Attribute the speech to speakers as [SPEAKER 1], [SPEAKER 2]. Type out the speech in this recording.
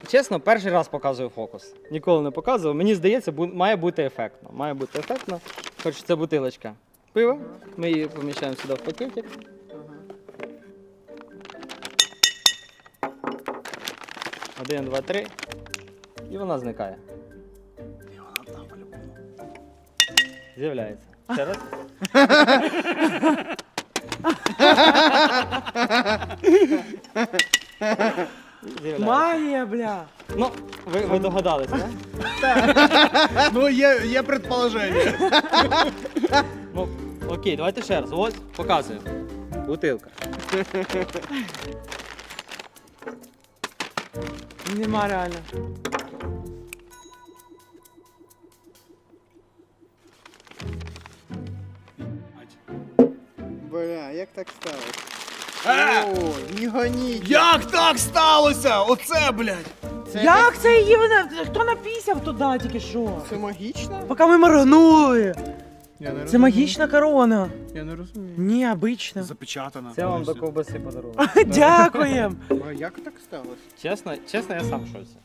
[SPEAKER 1] Чесно, перший раз показую фокус. Ніколи не показував. Мені здається, має бути ефектно. Має бути ефектно. Хоч це бутилочка пива. Ми її поміщаємо сюди в пакетик. Один, два, три. І вона зникає.
[SPEAKER 2] І вона там по-любому.
[SPEAKER 1] З'являється. Ще раз. З'являється.
[SPEAKER 3] Магія, бля.
[SPEAKER 1] Ну, ви догадались, так?
[SPEAKER 2] Ну, є предположення.
[SPEAKER 1] Ну, окей, давайте ще раз. Ось, показую. Бутилка.
[SPEAKER 3] Нема реально.
[SPEAKER 4] Бля, як так сталося?
[SPEAKER 2] Е!
[SPEAKER 4] О, не гоніть.
[SPEAKER 2] Як так сталося? Оце, блядь.
[SPEAKER 3] Як це її вона? Хто напісяв туди тільки що?
[SPEAKER 4] Це магічно?
[SPEAKER 3] Поки ми моргнули.
[SPEAKER 4] Я не
[SPEAKER 3] Це магічна корона.
[SPEAKER 4] Я не розумію.
[SPEAKER 3] Ні, обична.
[SPEAKER 2] Запечатана.
[SPEAKER 1] Це вам до
[SPEAKER 2] повністю.
[SPEAKER 1] ковбаси подарунок.
[SPEAKER 3] Дякуємо.
[SPEAKER 4] А як так сталося?
[SPEAKER 1] Чесно, я сам в шоці.